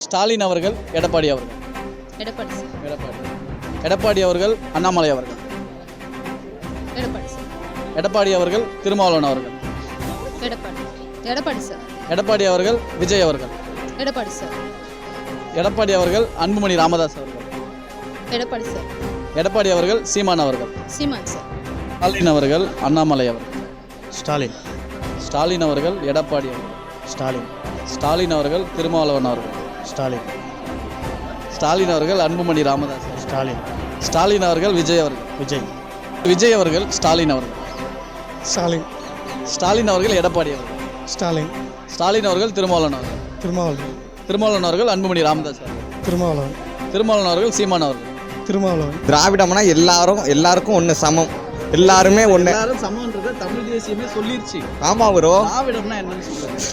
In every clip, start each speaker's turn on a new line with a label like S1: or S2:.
S1: ஸ்டாலின் அவர்கள், எடப்பாடி அவர்கள்.
S2: எடப்பாடி சார்.
S1: எடப்பாடி. எடப்பாடி அவர்கள், அண்ணாமலை அவர்கள்.
S2: எடப்பாடி சார்.
S1: எடப்பாடி அவர்கள், திருமாவளவன் அவர்கள்.
S2: எடப்பாடி. எடப்பாடி சார்.
S1: எடப்பாடி அவர்கள், விஜய் அவர்கள்.
S2: எடப்பாடி சார்.
S1: எடப்பாடி அவர்கள், அன்புமணி ராமதாஸ் அவர்கள்.
S2: எடப்பாடி சார்.
S1: எடப்பாடி அவர்கள், சீமான் அவர்கள்.
S2: சீமான் சார்.
S1: ஸ்டாலின் அவர்கள், அண்ணாமலை அவர்கள்.
S3: ஸ்டாலின்.
S1: ஸ்டாலின் அவர்கள், எடப்பாடி அவர்கள்.
S3: ஸ்டாலின்.
S1: ஸ்டாலின் அவர்கள், திருமாவளவன் அவர்கள்.
S3: ஸ்டாலின்.
S1: ஸ்டாலின் அவர்கள், அன்புமணி ராமதாஸ் அவர்கள்.
S3: ஸ்டாலின்.
S1: ஸ்டாலின் அவர்கள், விஜய் அவர்கள்.
S3: விஜய்.
S1: விஜய் அவர்கள், ஸ்டாலின் அவர்கள்.
S3: ஸ்டாலின்.
S1: ஸ்டாலின் அவர்கள், எடப்பாடி அவர்கள்.
S3: ஸ்டாலின்.
S1: ஸ்டாலின் அவர்கள், திருமாவளவன் அவர்கள்.
S3: திருமாவளவன்.
S1: திருமாவளவன் அவர்கள், அன்புமணி ராமதாஸ் அவர்கள்.
S3: திருமாவளவன்.
S1: திருமாவளவன் அவர்கள், சீமான் அவர்கள்.
S3: திருமாவளவன்.
S4: திராவிடம்னா எல்லாருக்கும் ஒன்று சமம், எல்லாருமே ஒன்று.
S1: எல்லாரும் சமம்ன்றத தமிழ் தேசியமே சொல்லிருச்சு.
S4: ஆமா ப்ரோ.
S1: திராவிடம்னா என்னன்னு சொல்லுங்க.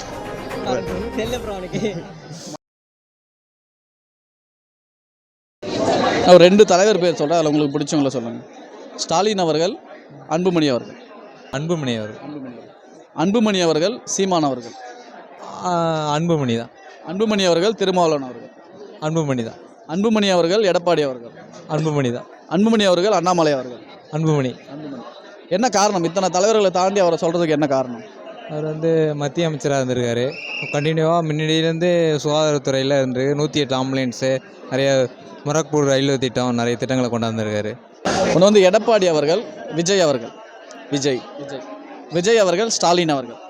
S1: ஒரு 2 தலைவர் பேர் சொல்கிறேன், அதில் உங்களுக்கு பிடிச்சவங்கள சொல்லுங்கள். ஸ்டாலின் அவர்கள், அன்புமணி அவர்கள்.
S5: அன்புமணி அவர்கள்.
S1: அன்புமணி அவர்கள், சீமான் அவர்கள்.
S5: அன்புமணி தான்.
S1: அன்புமணி அவர்கள், திருமாவளவன் அவர்கள்.
S5: அன்புமணி தான்.
S1: அன்புமணி அவர்கள், எடப்பாடி அவர்கள்.
S5: அன்புமணி தான்.
S1: அன்புமணி அவர்கள், அண்ணாமலை அவர்கள்.
S5: அன்புமணி.
S1: அன்புமணி. என்ன காரணம்? இத்தனை தலைவர்களை தாண்டி அவரை சொல்கிறதுக்கு என்ன காரணம்?
S5: அவர் மத்திய அமைச்சராக இருந்திருக்காரு. கண்டினியூவாக முன்னாடியிலேருந்து சுகாதாரத்துறையில் இருந்து 108 ஆம்புலன்ஸு, நிறைய முரக்பூர் ரயில்வே திட்டம், நிறைய திட்டங்களை கொண்டாந்துருக்காரு.
S1: ஒன்று எடப்பாடி அவர்கள், விஜய் அவர்கள். விஜய். விஜய் அவர்கள், ஸ்டாலின் அவர்கள்.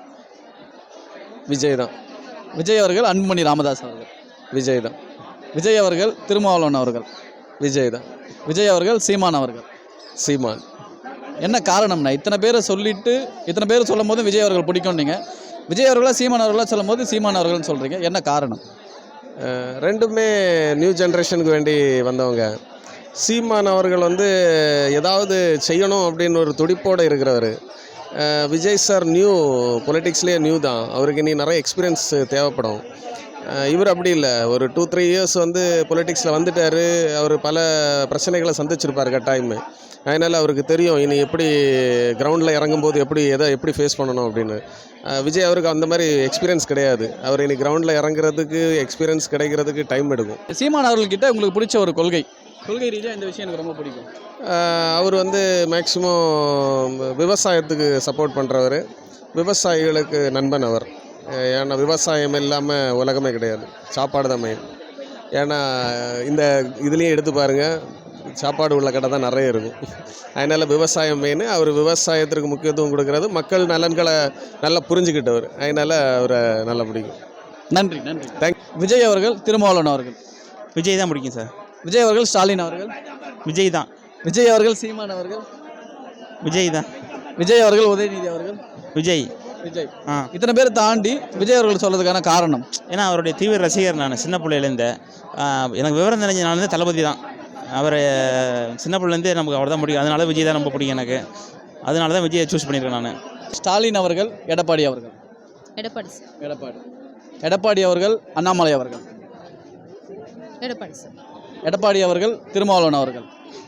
S4: விஜய் தான்.
S1: விஜய் அவர்கள், அன்புமணி ராமதாஸ் அவர்கள்.
S4: விஜய் தான்.
S1: விஜய் அவர்கள், திருமாவளவன் அவர்கள்.
S4: விஜய் தான்.
S1: விஜய் அவர்கள், சீமான் அவர்கள்.
S4: சீமான்.
S1: என்ன காரணம்னா இத்தனை பேரை சொல்லிட்டு இத்தனை பேர் சொல்லும் போது விஜய் அவர்கள் பிடிக்கும். நீங்கள் விஜய் அவர்களா சீமான் அவர்களா சொல்லும் போது சீமான் அவர்கள்னு சொல்கிறீங்க, என்ன காரணம்?
S4: ரெண்டுமே நியூ ஜென்ரேஷனுக்கு வேண்டி வந்தவங்க. சீமான் அவர்கள் ஏதாவது செய்யணும் அப்படின்னு ஒரு துடிப்போடு இருக்கிறவர். விஜய் சார் நியூ, பொலிட்டிக்ஸ்லேயே நியூ தான். அவருக்கு இனி நிறைய எக்ஸ்பீரியன்ஸ் தேவைப்படும். இவர் அப்படி இல்லை, ஒரு 2-3 இயர்ஸ் பொலிட்டிக்ஸில் வந்துட்டார். அவர் பல பிரச்சனைகளை சந்திச்சிருப்பார் கட்டாயமே. அதனால் அவருக்கு தெரியும் இனி எப்படி கிரவுண்டில் இறங்கும்போது எப்படி ஃபேஸ் பண்ணணும் அப்படின்னு. விஜய் அவருக்கு அந்த மாதிரி எக்ஸ்பீரியன்ஸ் கிடையாது. அவர் இனி கிரவுண்டில் இறங்குறதுக்கு எக்ஸ்பீரியன்ஸ் கிடைக்கிறதுக்கு டைம் எடுக்கும்.
S1: சீமான் அவர்கள்கிட்ட உங்களுக்கு பிடிச்ச ஒரு கொள்கை ரீதியாக இந்த விஷயம் எனக்கு ரொம்ப பிடிக்கும்.
S4: அவர் மேக்சிமம் விவசாயத்துக்கு சப்போர்ட் பண்ணுறவர், விவசாயிகளுக்கு நண்பன் அவர். ஏன்னா விவசாயம் இல்லாமல் உலகமே கிடையாது, சாப்பாடு தான் மெயின். ஏன்னா இந்த இதுலேயும் எடுத்து பாருங்கள், சாப்பாடு உள்ள கடை தான் நிறைய இருக்கும். அதனால் விவசாயம் மெயின். அவர் விவசாயத்திற்கு முக்கியத்துவம் கொடுக்கறது, மக்கள் நலன்களை நல்லா புரிஞ்சுக்கிட்டவர். அதனால் அவரை நல்லா பிடிக்கும்.
S1: நன்றி. தேங்க். விஜய் அவர்கள், திருமாவளவன் அவர்கள்.
S3: விஜய் தான் பிடிக்கும் சார்.
S1: விஜய் அவர்கள், ஸ்டாலின் அவர்கள்.
S3: விஜய் தான்.
S1: விஜய் அவர்கள், சீமான் அவர்கள்.
S3: விஜய் தான்.
S1: விஜய் அவர்கள், உதயநிதி அவர்கள்.
S3: விஜய்.
S1: இத்தனை பேர் தாண்டி விஜய் அவர்கள் சொல்றதுக்கான காரணம்?
S3: ஏன்னா அவருடைய தீவிர ரசிகர் நான். சின்ன பிள்ளையிலேருந்து எனக்கு விவரம் தெரிஞ்ச நான் தளபதி தான். அவர் சின்ன பிள்ளைலேருந்து நமக்கு அவர் தான் பிடிக்கும். அதனால விஜய் தான் ரொம்ப பிடிக்கும் எனக்கு. அதனால தான் விஜயை சூஸ் பண்ணியிருக்கேன் நான்.
S1: ஸ்டாலின் அவர்கள், எடப்பாடி அவர்கள்.
S2: எடப்பாடி சார்.
S1: எடப்பாடி அவர்கள், அண்ணாமலை அவர்கள்.
S2: எடப்பாடி சார்.
S1: எடப்பாடி அவர்கள், திருமாவளவன் அவர்கள்.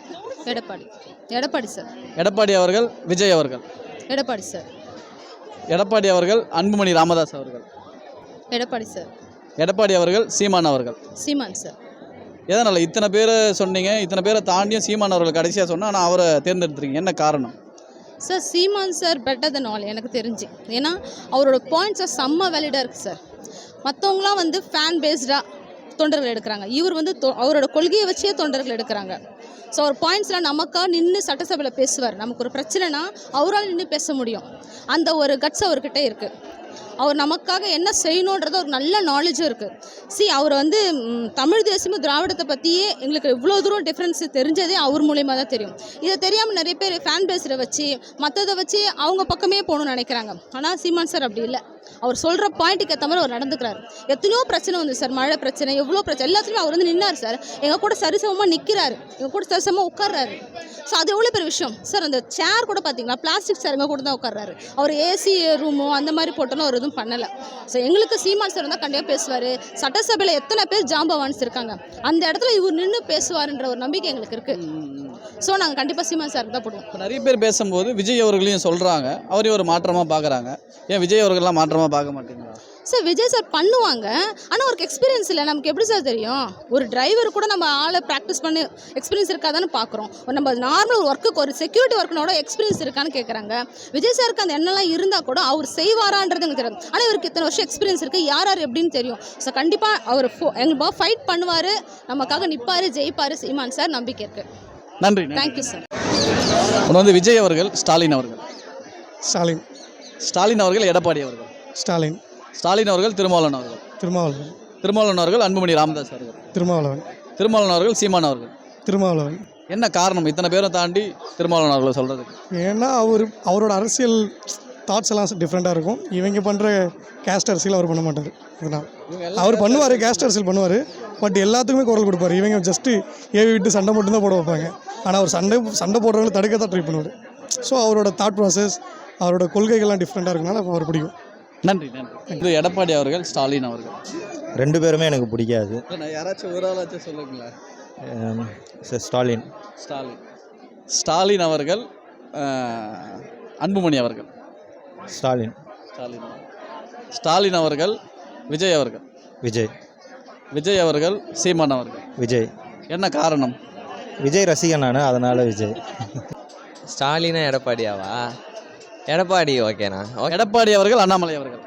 S2: எடப்பாடி சார்.
S1: எடப்பாடி அவர்கள், விஜய் அவர்கள்.
S2: எடப்பாடி சார்.
S1: எடப்பாடி அவர்கள், அன்புமணி ராமதாஸ் அவர்கள்.
S2: எடப்பாடி சார்.
S1: எடப்பாடி அவர்கள், சீமான் அவர்கள்.
S2: சீமான் சார்.
S1: எதனால் இத்தனை பேரை சொன்னீங்க? இத்தனை பேரை தாண்டியும் சீமான் அவர்கள் கடைசியாக சொன்னால், ஆனால் அவரை தேர்ந்தெடுத்துருக்கீங்க, என்ன காரணம்?
S2: Sir Seeman sir better then all எனக்கு தெரிஞ்சு. ஏன்னா அவரோட பாயிண்ட்ஸை செம்ம வேலிடாக இருக்குது சார். மற்றவங்களாம் ஃபேன் பேஸ்டாக தொண்டர்கள் எடுக்கிறாங்க. இவர் அவரோட கொள்கையை வச்சே தொண்டர்கள் எடுக்கிறாங்க. ஸோ அவர் பாயிண்ட்ஸ்லாம் நமக்காக நின்று சட்டசபையில் பேசுவார். நமக்கு ஒரு பிரச்சனைனா அவரால் நின்று பேச முடியும். அந்த ஒரு கட்ஸ் அவர்கிட்ட இருக்குது. அவர் நமக்காக என்ன செய்யணுன்றது ஒரு நல்ல நாலேஜும் இருக்குது. அவர் தமிழ் தேசியமும் திராவிடத்தை பற்றியே எங்களுக்கு இவ்வளோ தூரம் டிஃப்ரென்ஸ் தெரிஞ்சதே அவர் மூலியமாக தான் தெரியும். இதை தெரியாமல் நிறைய பேர் ஃபேன் பேஸில் வச்சு மற்றதை வச்சு அவங்க பக்கமே போகணும்னு நினைக்கிறாங்க. ஆனால் சீமான் சார் அப்படி இல்லை. அவர் சொல்கிற பாயிண்ட்டுக்கு ஏற்ற மாதிரி அவர் நடந்துக்கிறார். எத்தனையோ பிரச்சனை சார், மழை பிரச்சனை, எவ்வளோ பிரச்சனை, எல்லாத்துலேயும் அவர் நின்னார் சார். எங்கள் கூட சரிசமமாக நிற்கிறாரு, எங்கள் கூட சரிசமமாக உட்கார்றாரு. ஸோ அது எவ்வளோ பெரிய விஷயம் சார். அந்த சேர் கூட பார்த்தீங்களா, பிளாஸ்டிக் சேர் எங்கள் கூட தான் உட்கார்றாரு. அவர் ஏசி ரூமோ அந்த மாதிரி போட்டோன்னு அவர் எதுவும் பண்ணலை. ஸோ எங்களுக்கு சீமான் சார் தான் கண்டிப்பாக பேசுவார். சட்டசபையில் எத்தனை பேர் ஜாம்பவான்ஸ் இருக்காங்க, அந்த இடத்துல இவர் நின்று பேசுவார்ன்ற ஒரு நம்பிக்கை எங்களுக்கு இருக்குது. ஸோ நாங்கள் கண்டிப்பாக சீமான் சாருக்கு தான் போடுவோம்.
S1: இப்போ நிறைய பேர் பேசும்போது விஜய் அவர்களையும் சொல்கிறாங்க, அவரையும் ஒரு மாற்றமாக பார்க்குறாங்க. ஏன் விஜய் அவர்கள்லாம் மாற்றமாக பார்க்க மாட்டீங்களா?
S2: சார் விஜய் சார் பண்ணுவாங்க, ஆனால் அவருக்கு எக்ஸ்பீரியன்ஸ் இல்லை. நமக்கு எப்படி சார் தெரியும்? ஒரு டிரைவர் கூட நம்ம ஆளை ப்ராக்டிஸ் பண்ணி எக்ஸ்பீரியன்ஸ் இருக்காதான்னு பார்க்குறோம். நம்ம நார்மல் ஒர்க்குக்கு ஒரு செக்யூரிட்டி ஒர்க்கினோட எக்ஸ்பீரியன்ஸ் இருக்கான்னு கேட்குறாங்க. விஜய் சாருக்கு அந்த எண்ணெல்லாம் இருந்தால் கூட அவர் செய்வாரான்றது எனக்கு தெரியும். ஆனால் இவருக்கு இத்தனை வருஷம் எக்ஸ்பீரியன்ஸ் இருக்குது, யார் யார் எப்படின்னு தெரியும். ஸோ கண்டிப்பாக அவர் எங்களுக்கு ஃபைட் பண்ணுவார், நமக்காக நிற்பார், ஜெயிப்பார் சீமான் சார், நம்பிக்கை இருக்குது.
S1: நன்றி.
S2: Thank you sir.
S1: ஒன்று வந்து விஜய் அவர்கள், ஸ்டாலின் அவர்கள்.
S6: ஸ்டாலின்.
S1: ஸ்டாலின் அவர்கள், எடப்பாடி அவர்கள்.
S6: ஸ்டாலின்.
S1: ஸ்டாலின் அவர்கள், திருமாவளவன் அவர்கள்.
S6: திருமாவளவன்.
S1: திருமாவளவன் அவர்கள், அன்புமணி ராமதாஸ் அவர்கள்.
S6: திருமாவளவன்.
S1: திருமாவளவன் அவர்கள், சீமான் அவர்கள்.
S6: திருமாவளவன்.
S1: என்ன காரணம் இத்தனை பேரும் தாண்டி திருமாவளவன் அவர்களை சொல்கிறதுக்கு?
S6: ஏன்னா அவரோட அரசியல் தாட்ஸ் எல்லாம் டிஃப்ரெண்ட்டாக இருக்கும். இவங்க பண்ணுற கேஸ்ட் அரசியல் அவர் பண்ண மாட்டார். அதனால் அவர் பண்ணுவார், கேஸ்ட் அரசியல் பண்ணுவார், பட் எல்லாத்துக்குமே குரல் கொடுப்பார். இவங்க ஜஸ்ட்டு ஏவி விட்டு சண்டை மட்டும்தான் போட வைப்பாங்க. ஆனால் அவர் சண்டை போடுறவங்களை தடுக்க தான் ட்ரை பண்ணுவார். ஸோ அவரோட தாட் ப்ராசஸ், அவரோட கொள்கைகள்லாம் டிஃப்ரெண்ட்டாக இருக்கனால அவர் பிடிக்கும்.
S1: நன்றி. இது எடப்பாடி அவர்கள், ஸ்டாலின் அவர்கள்.
S7: ரெண்டு பேருமே எனக்கு பிடிக்காது.
S1: யாராச்சும் ஒரு ஆளாச்சும் சொல்லுங்களேன்.
S7: ஸ்டாலின்.
S1: ஸ்டாலின் அவர்கள், அன்புமணி அவர்கள்.
S7: ஸ்டாலின்.
S1: ஸ்டாலின் அவர்கள், விஜய் அவர்கள். விஜய் அவர்கள், சீமான் அவர்கள்.
S7: விஜய்.
S1: என்ன காரணம்?
S7: விஜய் ரசிகன் நான், அதனால் விஜய்.
S8: ஸ்டாலினா எடப்பாடியாவா? எடப்பாடி ஓகேண்ணா.
S1: எடப்பாடி அவர்கள், அண்ணாமலை அவர்கள்.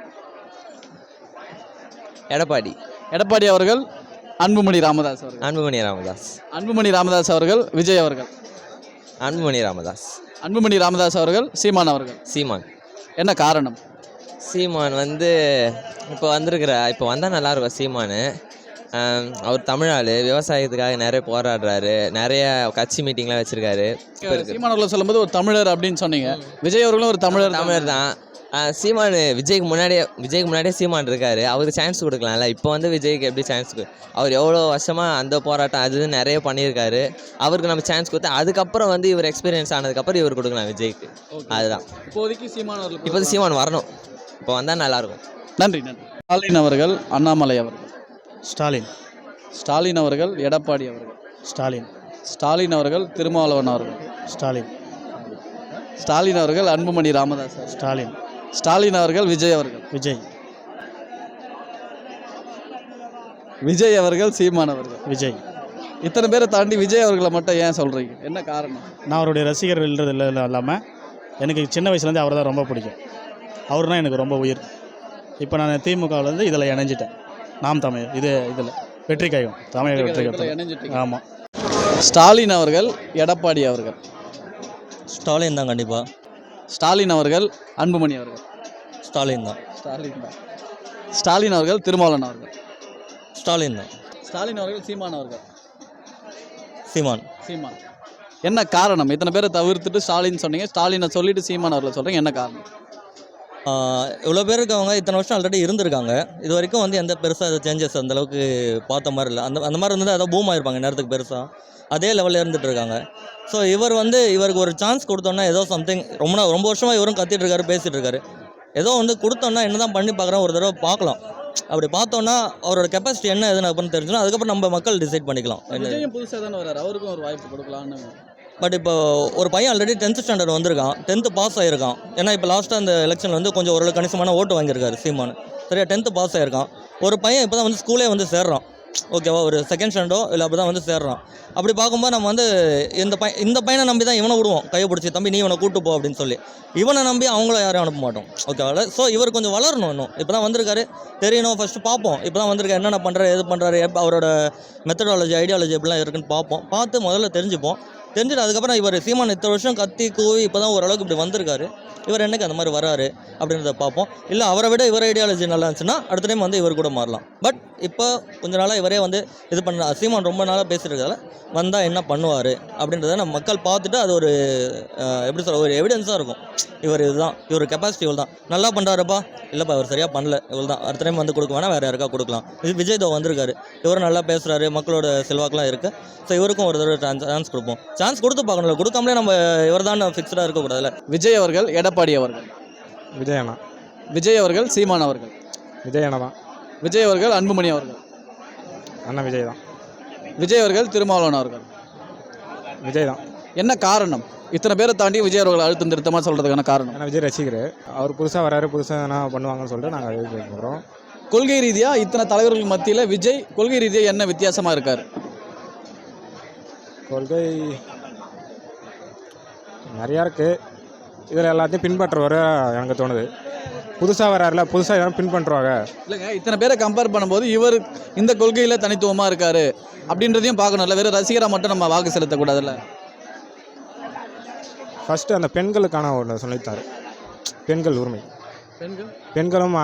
S8: எடப்பாடி
S1: அவர்கள், அன்புமணி ராமதாஸ் அவர்கள். அன்புமணி ராமதாஸ் அவர்கள், விஜய் அவர்கள். அன்புமணி ராமதாஸ் அவர்கள், சீமான் அவர்கள். என்ன காரணம்?
S8: சீமான் வந்து இப்போ வந்தால் நல்லாயிருக்கும். சீமான் அவர் தமிழ், விவசாயத்துக்காக நிறைய போராடுறாரு, நிறைய கட்சி மீட்டிங்லாம் வச்சுருக்காரு.
S1: சீமான் அவர்களை சொல்லும்போது ஒரு தமிழர் அப்படின்னு சொன்னீங்க. விஜய் அவர்களும் ஒரு தமிழர்
S8: தான். சீமான் விஜய்க்கு முன்னாடியே சீமான் இருக்காரு, அவருக்கு சான்ஸ் கொடுக்கலாம்ல. இப்போ வந்து விஜய்க்கு எப்படி சான்ஸ்? அவர் எவ்வளோ வருஷமாக அந்த போராட்டம் அது நிறைய பண்ணியிருக்காரு. அவருக்கு நம்ம சான்ஸ் கொடுத்தா அதுக்கப்புறம் வந்து இவர் எக்ஸ்பீரியன்ஸ் ஆனதுக்கப்புறம் இவர் கொடுக்கலாம் விஜய்க்கு. அதுதான்
S1: இப்போதைக்கு சீமான் அவர்கள்.
S8: இப்போது சீமான் வரணும், இப்போ வந்தால் நல்லாயிருக்கும்.
S1: நன்றி. ஸ்டாலின் அவர்கள், அண்ணாமலை அவர்கள்.
S6: ஸ்டாலின்
S1: அவர்கள், எடப்பாடி அவர்கள். ஸ்டாலின் அவர்கள், திருமாவளவன் அவர்கள். ஸ்டாலின் அவர்கள், அன்புமணி ராமதாஸ். ஸ்டாலின் அவர்கள், விஜய் அவர்கள். விஜய் அவர்கள், சீமான் அவர்கள். இத்தனை பேரை தாண்டி விஜய் அவர்களை மட்டும் ஏன் சொல்கிறீங்க? என்ன காரணம்?
S9: நான் அவருடைய ரசிகர் இல்லாமல் எனக்கு சின்ன வயசுலேருந்து அவரை தான் ரொம்ப பிடிக்கும். அவர்னா எனக்கு ரொம்ப உயிர். இப்போ நான் திமுகவிலேருந்து இதில் இணைஞ்சிட்டேன். நாம் தமிழ் இதில் வெற்றி கையும் தமிழக வெற்றி கையும். ஆமாம்.
S1: ஸ்டாலின் அவர்கள், எடப்பாடி அவர்கள்.
S7: ஸ்டாலின் தான் கண்டிப்பாக.
S1: ஸ்டாலின் அவர்கள், அன்புமணி அவர்கள்.
S7: ஸ்டாலின் தான்.
S1: ஸ்டாலின் அவர்கள், திருமாவளவன் அவர்கள்.
S7: ஸ்டாலின்
S1: அவர்கள், சீமான் அவர்கள்.
S7: சீமான்.
S1: என்ன காரணம்? இத்தனை பேரை தவிர்த்துட்டு ஸ்டாலின் சொன்னீங்க, ஸ்டாலினை சொல்லிட்டு சீமான் அவர்களை சொல்கிறீங்க. என்ன காரணம்?
S7: இவ்வளோ பேர் இருக்கவங்க இத்தனை வருஷம் ஆல்ரெடி இருந்திருக்காங்க. இது வரைக்கும் வந்து எந்த பெருசாக சேஞ்சஸ் அந்தளவுக்கு பார்த்த மாதிரி இல்லை. அந்த மாதிரி இருந்தது ஏதோ பூம் ஆயிருப்பாங்க நேரத்துக்கு பெருசாக. அதே லெவலில் இருந்துகிட்டு இருக்காங்க. ஸோ இவருக்கு ஒரு சான்ஸ் கொடுத்தோன்னா ஏதோ சம்திங் ரொம்ப வருஷமாக இவரும் கத்திட்டு இருக்காரு, பேசிகிட்டு இருக்காரு. ஏதோ வந்து கொடுத்தோன்னா என்ன தான் பண்ணி பார்க்குறோம், ஒரு தடவை பார்க்கலாம். அப்படி பார்த்தோன்னா அவரோட கெப்பாசிட்டி என்ன எதுன்னு அப்படின்னு தெரிஞ்சுன்னா அதுக்கப்புறம் நம்ம மக்கள் டிசைட் பண்ணிக்கலாம்.
S1: புதுசாக தானே வர்றாரு, அவருக்கும் ஒரு வாய்ப்பு கொடுக்கலான்னு.
S7: பட் இப்போ ஒரு பையன் ஆல்ரெடி 10th ஸ்டாண்டர்ட் வந்திருக்கான், 10th பாஸ் ஆகிருக்கான். ஏன்னா இப்போ லாஸ்ட்டாக அந்த எலெக்ஷனில் வந்து கொஞ்சம் ஓரளவு கணிசமான ஓட்டு வாங்கியிருக்காரு சீமான். சரியா 10th பாஸ் ஆகிருக்கான். ஒரு பையன் இப்போ தான் வந்து ஸ்கூலே வந்து சேர்றான். ஓகேவா, ஒரு 2nd ஸ்டாண்டர்டோ இல்லை அப்படி தான் வந்து சேர்றான். அப்படி பார்க்கும்போது நம்ம வந்து இந்த பையனை நம்பி தான் இவனை விடுவோம், கையை பிடிச்சி தம்பி நீ இவனை கூட்டு போ அப்படின்னு சொல்லி. இவனை நம்பி அவங்கள யாரையும் அனுப்ப மாட்டோம். ஓகேவா. ஸோ இவர் கொஞ்சம் வளரணும். இன்னும் இப்போ தான் வந்திருக்காரு, தெரியணும். ஃபஸ்ட்டு பார்ப்போம், இப்போ தான் வந்திருக்காரு, என்னென்ன பண்ணுறாரு, எது பண்ணுறாரு, அவரோட மெத்தடாலஜி ஐடியாலஜி எப்படிலாம் இருக்குன்னு பார்த்து முதல்ல தெரிஞ்சுட்டு அதுக்கப்புறம் இவர் சீமான் இத்தனை வருஷம் கத்தி கூவி இப்போ தான் ஓரளவுக்கு இப்படி வந்திருக்காரு. இவர் என்னைக்கு அந்த மாதிரி வராரு அப்படின்றத பார்ப்போம். இல்லை அவரை விட இவர் ஐடியாலஜி நல்லா இருந்துச்சுன்னா அடுத்த டைம் வந்து இவர் கூட மாறலாம். பட் இப்போ கொஞ்ச நாளாக இவரே வந்து இது பண்ண சீமான் ரொம்ப நாளாக பேசியிருக்கிறதால வந்தால் என்ன பண்ணுவார் அப்படின்றத நம்ம மக்கள் பார்த்துட்டு அது ஒரு எப்படி சொல்ல ஒரு எவிடன்ஸாக இருக்கும். இவர் கெப்பாசிட்டி இவ்வளோ தான், நல்லா பண்ணுறாருப்பா, இல்லைப்பா இவர் சரியாக பண்ணல, இவ்வளோ தான், அடுத்த டைம் வந்து கொடுக்க வேணா வேறு யாருக்கா கொடுக்கலாம். இது விஜய் தோ வந்திருக்காரு, இவரும் நல்லா பேசுகிறாரு, மக்களோட செல்வாக்கெலாம் இருக்குது. ஸோ இவருக்கும் ஒரு தடவை சான்ஸ் கொடுப்போம். சான்ஸ் கொடுத்து பார்க்கணும்ல, கொடுக்காமலே நம்ம இவர் தான் ஃபிக்ஸ்டாக இருக்கக்கூடாதுல்ல.
S1: விஜய் அவர்கள், எடப்பாடி அவர்கள். விஜய் அவர்கள், சீமான் அவர்கள். விஜய் அவர்கள், அன்புமணி அவர்கள். விஜய் அவர்கள், திருமாவளவன் அவர்கள். என்ன காரணம்? இத்தனை பேரை தாண்டி விஜய் அவர்கள் அழுத்தம் திருத்தமாக சொல்கிறதுக்கான காரணம்?
S10: ஏன்னா விஜய் ரசிகர், அவர் புதுசாக வராரு, புதுசாக என்ன பண்ணுவாங்கன்னு சொல்லிட்டு நாங்கள் எதிர்பார்க்குறோம்.
S1: கொள்கை ரீதியாக இத்தனை தலைவர்கள் மத்தியில் விஜய் கொள்கை ரீதியாக என்ன வித்தியாசமாக இருக்கார்?
S10: கொள்கை நிறையா இருக்குது. இதில் எல்லாத்தையும் பின்பற்றுவார் எனக்கு தோணுது. புதுசாக வராருல, புதுசாக யாரும் பின்பற்றுவாங்க.
S1: இல்லைங்க, இத்தனை பேரை கம்பேர் பண்ணும்போது இவர் இந்த கொள்கையில் தனித்துவமாக இருக்கார் அப்படின்றதையும் பார்க்கணும்ல. வெறும் ரசிகராக மட்டும் நம்ம வாக்கு செலுத்தக்கூடாதுல்ல.
S10: ஃபஸ்ட்டு அந்த பெண்களுக்கான ஒன்று சொல்லித்தார். பெண்கள் உரிமை, பெண்களும்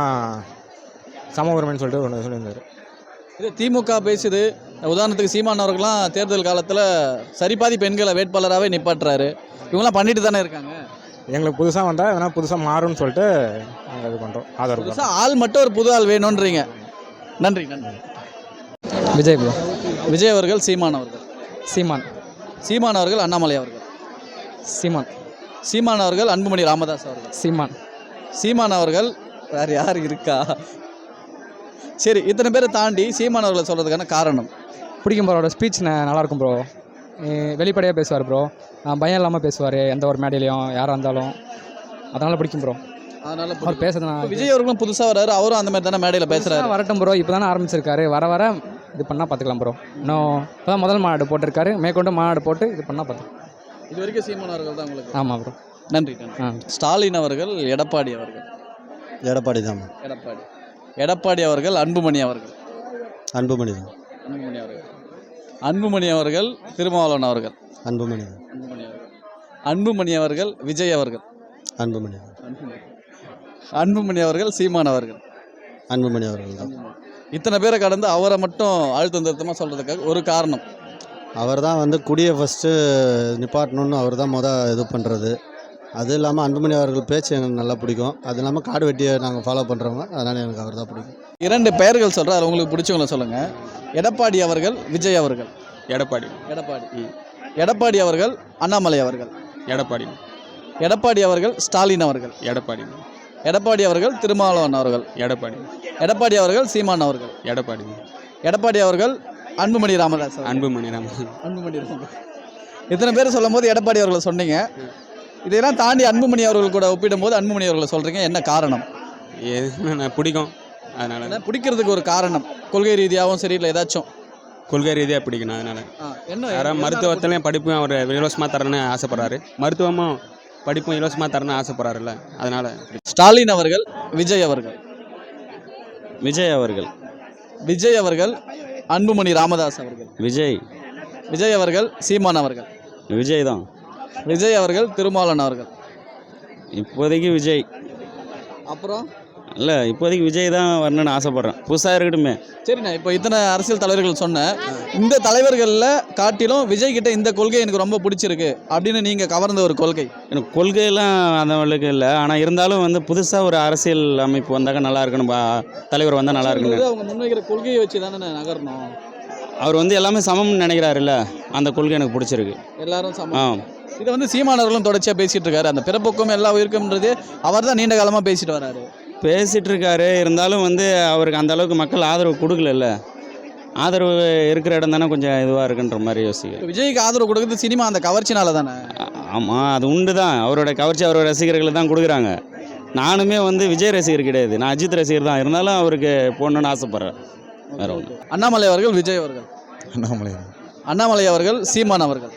S10: சம உரிமைன்னு சொல்லிட்டு ஒன்று சொல்லியிருந்தார்.
S1: இது திமுக பேசுது. உதாரணத்துக்கு சீமான் அவர்கள்லாம் தேர்தல் காலத்தில் சரிபாதி பெண்களை வேட்பாளராகவே நிப்பாட்டுறாரு. இவங்களாம் பண்ணிட்டு தானே இருக்காங்க.
S10: எங்களுக்கு புதுசாக வந்தால் எதனால் புதுசாக மாறும்னு சொல்லிட்டு நாங்கள் இது பண்ணுறோம், ஆதரவு.
S1: புதுசாக ஆள் மட்டும் ஒரு புது ஆள் வேணுன்றீங்க. நன்றி நன்றி.
S5: விஜய் ப்ரோ.
S1: விஜய் அவர்கள் சீமான் அவர்கள்.
S5: சீமான்.
S1: சீமான் அவர்கள் அண்ணாமலை அவர்கள்.
S5: சீமான்.
S1: சீமான் அவர்கள் அன்புமணி ராமதாஸ் அவர்கள்.
S5: சீமான்.
S1: சீமான் அவர்கள் வேறு யார் இருக்கா? சரி, இத்தனை பேரை தாண்டி சீமான் அவர்களை சொல்கிறதுக்கான காரணம்?
S5: பிடிக்கும் ப்ரோ. அவரோட ஸ்பீச் நல்லாயிருக்கும் ப்ரோ. வெளிப்படையாக பேசுவார் ப்ரோ. பயம் இல்லாமல் பேசுவார் எந்த ஒரு மேடையிலையும் யாராக இருந்தாலும். அதனால் பிடிக்கும் ப்ரோ.
S1: அதனால்
S5: அவர் பேசுறது
S1: விஜய் அவர்களும் புதுசாக வராரு. அவரும் அந்த மாதிரி தானே மேடையில் பேசுகிறாரு.
S5: வரட்டும் ப்ரோ. இப்போ தானே ஆரம்பிச்சிருக்காரு. வர வர இது பண்ணால் பார்த்துக்கலாம் ப்ரோ. இன்னும் இப்போ தான் முதல் மாநாடு போட்டிருக்காரு. மேற்கொண்டு மாநாடு போட்டு இது பண்ணால் பார்த்துக்கலாம்.
S1: இது வரைக்கும் சீமான் அவர்கள் தான் உங்களுக்கு.
S5: ஆமாம் ப்ரோ.
S1: நன்றி நன்றி. ஸ்டாலின் அவர்கள் எடப்பாடி அவர்கள்.
S11: எடப்பாடி தான்.
S1: எடப்பாடி. எடப்பாடி அவர்கள் அன்புமணி அவர்கள்.
S11: அன்புமணி தான்.
S1: அன்புமணி அவர்கள். அன்புமணி அவர்கள் திருமாவளவன் அவர்கள்.
S11: அன்புமணி தான்.
S1: அன்புமணி அவர்கள். அன்புமணி அவர்கள் விஜய் அவர்கள்.
S11: அன்புமணி தான்.
S1: அன்புமணி அவர்கள் சீமான் அவர்கள்.
S11: அன்புமணி அவர்கள் தான்.
S1: இத்தனை பேரை கடந்து அவரை மட்டும் அழுத்தம் திருத்தமாக சொல்கிறதுக்காக ஒரு காரணம்?
S11: அவர் தான் வந்து குடியை ஃபஸ்ட்டு நிப்பாட்டணுன்னு அவர் தான் இது பண்ணுறது. அது இல்லாமல் அன்புமணி அவர்கள் பேச்சு எனக்கு நல்லா பிடிக்கும். அது இல்லாமல் காடு வெட்டியை நாங்கள் ஃபாலோ பண்ணுறவங்க, அதனால் எனக்கு அவர் தான் பிடிக்கும்.
S1: 2 பெயர்கள் சொல்கிறேன், அது உங்களுக்கு பிடிச்சவங்கள சொல்லுங்கள். எடப்பாடி அவர்கள் விஜய் அவர்கள்.
S3: எடப்பாடி.
S1: எடப்பாடி. எடப்பாடி அவர்கள் அண்ணாமலை அவர்கள்.
S3: எடப்பாடி.
S1: எடப்பாடி அவர்கள் ஸ்டாலின் அவர்கள்.
S3: எடப்பாடி.
S1: எடப்பாடி அவர்கள் திருமாவளவன் அவர்கள்.
S3: எடப்பாடி.
S1: எடப்பாடி அவர்கள் சீமான் அவர்கள்.
S3: எடப்பாடி.
S1: எடப்பாடி அவர்கள் அன்புமணி ராமதாஸ் அவர்கள்.
S3: அன்புமணி ராமதாஸ்.
S1: அன்புமணி ராமதாஸ். இத்தனை பேர் சொல்லும் போது எடப்பாடி அவர்களை சொன்னீங்க. இதெல்லாம் தாண்டி அன்புமணி அவர்கள் கூட ஒப்பிடும்போது அன்புமணி அவர்களை சொல்கிறீங்க, என்ன காரணம்?
S3: பிடிக்கும். அதனால்
S1: பிடிக்கிறதுக்கு ஒரு காரணம் கொள்கை ரீதியாகவும் சரி, இல்லை ஏதாச்சும்
S3: கொள்கை ரீதியாக பிடிக்கணும். அதனால்
S1: என்ன
S3: யாராவது மருத்துவத்துலேயும் படிப்பும் அவர் இலவசமாக தரணும்னு ஆசைப்பட்றாரு. மருத்துவமும் படிப்பும் இலவசமாக தரணும்னு ஆசைப்பட்றாருல்ல, அதனால்.
S1: ஸ்டாலின் அவர்கள் விஜய் அவர்கள்.
S3: விஜய் அவர்கள்.
S1: விஜய் அவர்கள் அன்புமணி ராமதாஸ் அவர்கள்.
S3: விஜய்.
S1: விஜய் அவர்கள் சீமான் அவர்கள்.
S3: விஜய் தான்.
S1: விஜய் அவர்கள் திருமாவளவன் அவர்கள்.
S3: இப்போதைக்கு விஜய்.
S1: அப்புறம்
S3: இல்லை, இப்போதைக்கு விஜய் தான் வரணும்னு ஆசைப்பட்றேன். புதுசாக இருக்கட்டுமே.
S1: சரிண்ணா, இப்போ இத்தனை அரசியல் தலைவர்கள் சொன்னேன், இந்த தலைவர்களில் காட்டிலும் விஜய் கிட்ட இந்த கொள்கை எனக்கு ரொம்ப பிடிச்சிருக்கு அப்படின்னு நீங்கள் கவர்ந்த ஒரு கொள்கை?
S3: எனக்கு கொள்கையெல்லாம் அந்த அளவுக்கு இல்லை. ஆனால் இருந்தாலும் வந்து புதுசாக ஒரு அரசியல் அமைப்பு வந்தாக்க நல்லா இருக்கணும், தலைவர் வந்தால் நல்லா இருக்கணும்.
S1: அவங்க முன்வைக்கிற கொள்கையை வச்சு தானே நகரணும்.
S3: அவர் வந்து எல்லாமே சமம்னு நினைக்கிறாருல்ல, அந்த கொள்கை எனக்கு பிடிச்சிருக்கு.
S1: எல்லாரும் சமம். இதை வந்து சீமானவர்களும் தொடர்ச்சியாக பேசிகிட்டு இருக்காரு. அந்த பிறப்புக்கும் எல்லா உயிருக்கும்ன்றது அவர் தான் நீண்ட காலமாக பேசிட்டு வராரு.
S3: பேசிகிட்டு இருக்காரு. இருந்தாலும் வந்து அவருக்கு அந்த அளவுக்கு மக்கள் ஆதரவு கொடுக்கல. ஆதரவு இருக்கிற இடம் தானே கொஞ்சம் இதுவாக இருக்குன்ற மாதிரி யோசிக்க.
S1: விஜய்க்கு ஆதரவு கொடுக்குறது சினிமா அந்த கவர்ச்சினால தானே?
S3: ஆமாம், அது உண்டு தான். அவரோட கவர்ச்சி அவரோட ரசிகர்கள் தான் கொடுக்குறாங்க. நானுமே வந்து விஜய் ரசிகர் கிடையாது, நான் அஜித் ரசிகர் தான். இருந்தாலும் அவருக்கு போடணுன்னு ஆசைப்பட்றேன். வேறு ஒன்று.
S1: அண்ணாமலை அவர்கள் விஜய் அவர்கள்.
S11: அண்ணாமலை.
S1: அண்ணாமலை அவர்கள் சீமான் அவர்கள்.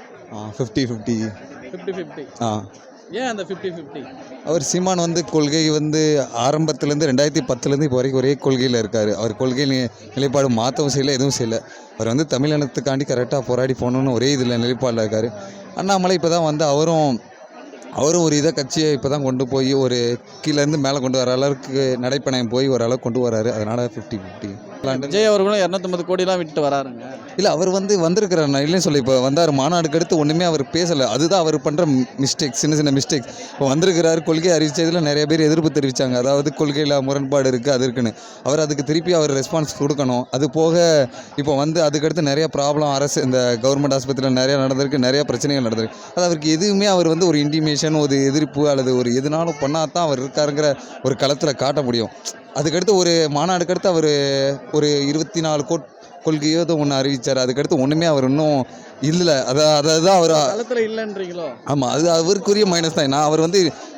S11: 50-50.
S1: 50-50. ஏன் அந்த 50-50?
S12: அவர் சீமான் வந்து கொள்கை வந்து ஆரம்பத்துலேருந்து 2010 இப்போ வரைக்கும் ஒரே கொள்கையில் இருக்கார். அவர் கொள்கை நிலைப்பாடு மாற்றவும் செய்யலை, எதுவும் செய்யலை. அவர் வந்து தமிழினத்துக்காண்டி கரெக்டாக போராடி போகணுன்னு ஒரே இதில் நிலைப்பாடில் இருக்கார். அண்ணாமலை இப்போ தான் வந்து அவரும் ஒரு இதை கட்சியை இப்போ தான் கொண்டு போய் ஒரு கீழேருந்து மேலே கொண்டு வர அளவுக்கு நடைப்பயணம் போய் ஒரு அளவுக்கு கொண்டு வராரு. அதனால் 50-50.
S1: விஜய் அவர்களும் 250 கோடிலாம் விட்டு வராருங்க.
S12: இல்லை, அவர் வந்து வந்திருக்கிறார். நான் இல்லைன்னு சொல்லி இப்போ வந்தார். மாநாடுக்கு அடுத்து ஒன்றுமே அவர் பேசலை. அதுதான் அவர் பண்ணுற மிஸ்டேக்ஸ், சின்ன மிஸ்டேக்ஸ். இப்போ வந்திருக்கிறார், கொள்கை அறிவிச்சதில் நிறைய பேர் எதிர்ப்பு தெரிவித்தாங்க. அதாவது கொள்கையில் முரண்பாடு இருக்குது, அது இருக்குன்னு. அவர் அதுக்கு திருப்பி அவர் ரெஸ்பான்ஸ் கொடுக்கணும். அது போக இப்போ வந்து அதுக்கடுத்து நிறைய ப்ராப்ளம் அரசு இந்த கவர்மெண்ட் ஆஸ்பத்திரியில் நிறையா நடந்திருக்கு, நிறையா பிரச்சனைகள் நடந்திருக்கு. அது அவருக்கு எதுவுமே அவர் வந்து ஒரு இன்டிமேஷன், ஒரு எதிர்ப்பு அல்லது ஒரு எதுனாலும் பண்ணால் தான் அவர் இருக்காருங்கிற ஒரு களத்தில் காட்ட முடியும். அதுக்கடுத்து ஒரு மாநாடுக்கு அடுத்து அவர் ஒரு 24 கொள்கையோ ஒன்று அறிவித்தார். அதுக்கடுத்து ஒன்றுமே அவர் இன்னும் இல்லை. அதான் அவர்
S1: களத்தில் இல்லைன்றீங்களோ?
S12: ஆமாம், அது அவருக்குரிய மைனஸ் தான். நான் அவர் வந்து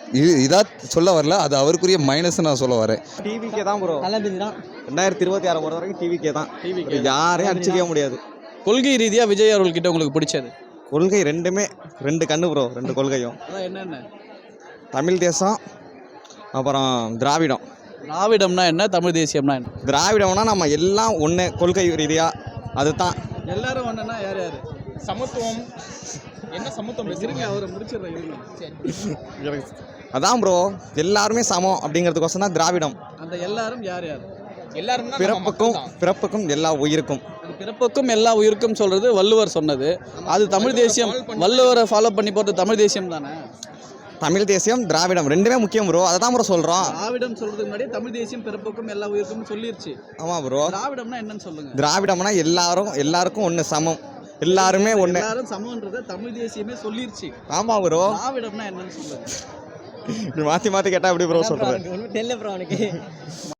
S12: இதாக சொல்ல வரல, அது அவருக்குரிய மைனஸ் நான் சொல்ல வரேன்.
S10: டிவிக்கே தான் ப்ரோ. 2026 பொறுத்த வரைக்கும் டிவிக்கே தான். யாரையும் அடிச்சுக்கவே முடியாது.
S1: கொள்கை ரீதியாக விஜய் அவர்கள்கிட்ட உங்களுக்கு பிடிச்சது
S10: கொள்கை ரெண்டுமே 2 கண்ணு ப்ரோ. 2 கொள்கையும்
S1: அதான் என்னென்ன?
S10: தமிழ் தேசம் அப்புறம் திராவிடம்.
S1: திராவிடம்னா என்ன, தமிழ் தேசியம்னா என்ன?
S10: திராவிடம்னா நம்ம எல்லாம் ஒன்று கொள்கை ரீதியாக அதுதான்.
S1: எல்லாரும் ஒன்றுனா யார் யார்?
S3: சமத்துவம் என்ன சமத்துவம்
S1: இருங்க, அவரை முடிச்சிடுறேன்.
S10: அதான் ப்ரோ, எல்லாருமே சமம் அப்படிங்கிறதுக்கோசம் தான் திராவிடம்.
S1: அந்த எல்லாரும் யார் யார்?
S3: எல்லாரும்
S10: பிறப்புக்கும் எல்லா உயிருக்கும்.
S1: அது பிறப்புக்கும் எல்லா உயிருக்கும் சொல்றது வள்ளுவர் சொன்னது. அது தமிழ் தேசியம். வள்ளுவரை ஃபாலோ பண்ணி போகிறது தமிழ் தேசியம் தானே.
S10: தமிழ் தேசியம் திராவிடம் ரெண்டுமே முக்கியம் ப்ரோ. அதை தான் ப்ரோ சொல்கிறோம்.
S1: திராவிடம் சொல்றதுக்கு முன்னாடி தமிழ் தேசியம் பிறப்புக்கும் எல்லா உயிருக்கும் சொல்லிருச்சு.
S10: ஆமாம் ப்ரோ.
S1: திராவிடம்னா என்னன்னு சொல்லுங்க.
S10: திராவிடம்னா எல்லாருக்கும் ஒன்று சமம், எல்லாருமே ஒன்று.
S1: எல்லாரும் சமம்ன்றத தமிழ் தேசியமே சொல்லிருச்சு.
S10: ஆமாம் ப்ரோ.
S1: திராவிடம்னா என்னன்னு சொல்லுங்க.
S10: மாற்றி கேட்டால் எப்படி ப்ரோ சொல்கிறேன்?